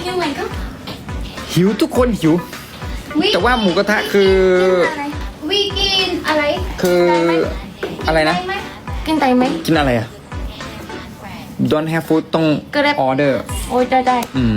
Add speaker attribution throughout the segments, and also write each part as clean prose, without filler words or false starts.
Speaker 1: หิวไหมครับ
Speaker 2: หิวทุกคนหิว แต่ว่าหมูกระทะคือ
Speaker 1: วีกินอะไร
Speaker 2: คืออะไรนะ
Speaker 1: กินได้ไหม
Speaker 2: กินอะไรอ่ะ Don't have food ต้อง
Speaker 1: Grab
Speaker 2: order
Speaker 1: โอ้ยได้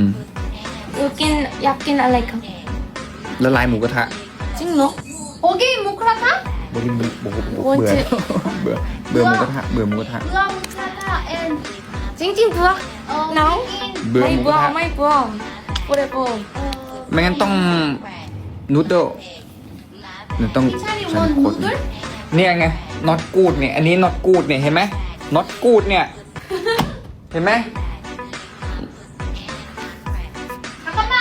Speaker 1: อยากกินอะไรครับ
Speaker 2: ละลายหมูกระทะ
Speaker 1: จริงเหรอโอเคหมูกระทะ
Speaker 2: เบื่อ
Speaker 1: โอ้ย
Speaker 2: เบื่อ
Speaker 1: เจ็บ
Speaker 2: เบื่อเบื่อหมูกระทะเบื่อหมูกระทะ
Speaker 1: เบื่อหมูกระทะจริงเบื่อหนาว
Speaker 2: เบื่อหมูกระทะ
Speaker 1: ไม่เบื่อโอ้ยเบื่อ
Speaker 2: ไม่งั้นต้องนูดเดิลหรือต้อง
Speaker 1: พี่ชาย
Speaker 2: ใช้
Speaker 1: วัน
Speaker 2: โค
Speaker 1: นู
Speaker 2: ตร
Speaker 1: เดิล
Speaker 2: เนี่ยไง not good เนี่ย อันนี้ not good เนี่ย เห็นไหม not good เนี่ย เห็นไหม
Speaker 1: 잠깐만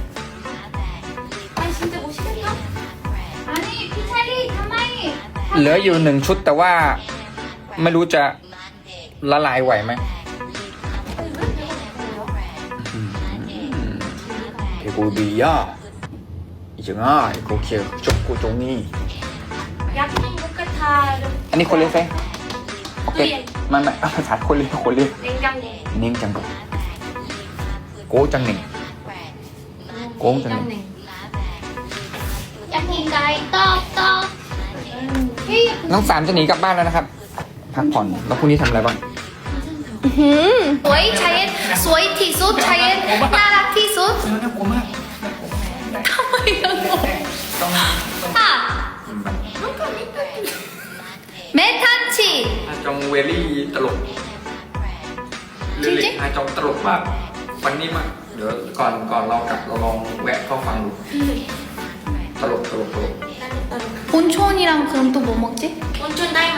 Speaker 1: 아니 진짜 멋있겠다 아니 피차리 가만히
Speaker 2: เหลืออยู่1 ชุดแต่ว่าไม่รู้จะละลายไหวไหมเทกูดีอ่ะอีกจังอ่ะโอเคจบกูตรงนี้
Speaker 1: 야끼 모카타
Speaker 2: อันนี้คนเรียกไงโอเคไม่ภาษาคนเรียก
Speaker 1: 냉장고
Speaker 2: เน่งจังโกจังเน่ง โกงจัง
Speaker 1: 야끼 가이 떡떡
Speaker 2: น้องสามจะหนีกลับบ้านแล้วนะครับ พักผ่อน แล้วพรุ่งนี้ทำอะไรบ้าง
Speaker 1: สวยชายสวยที่สุดชายน่ารักที่สุด
Speaker 2: น่ากลัวมาก
Speaker 1: ทำไมยังงงอ่ะเมทันชี
Speaker 2: อาจองเวลี่ตลก
Speaker 1: จริงๆ
Speaker 2: อาจองตลกมากวันนี้มาก เดี๋ยวก่อนเรากลับเราลองแวะเข้าฟังดู ตลก
Speaker 1: 온천이랑 그럼 또 뭐 먹지? 온천 다이마이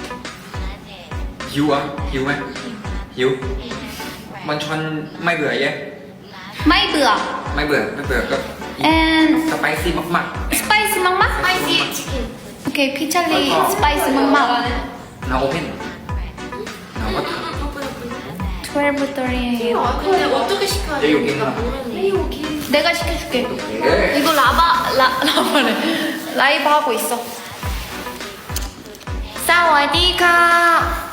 Speaker 2: หิวอ่ะหิวไหมหิว มันชอนไม่เบื่อเย้
Speaker 1: 마이브야
Speaker 2: ไม่เบื่อก็
Speaker 1: and
Speaker 2: สไปซี่มาก
Speaker 1: 스파이시 막막? 스파이시 치킨 오케이 피찰리 스파이시 막막
Speaker 2: ๆนาโอเพนนาวัตถุ
Speaker 1: 12:30
Speaker 3: 근데 어떻게 시켜야
Speaker 2: 내
Speaker 3: 되는지
Speaker 2: 여기는
Speaker 3: 모르겠네.
Speaker 1: 내가 시켜줄게
Speaker 2: 네.
Speaker 1: 이거 라바래 라이브 하고 있어 사와디카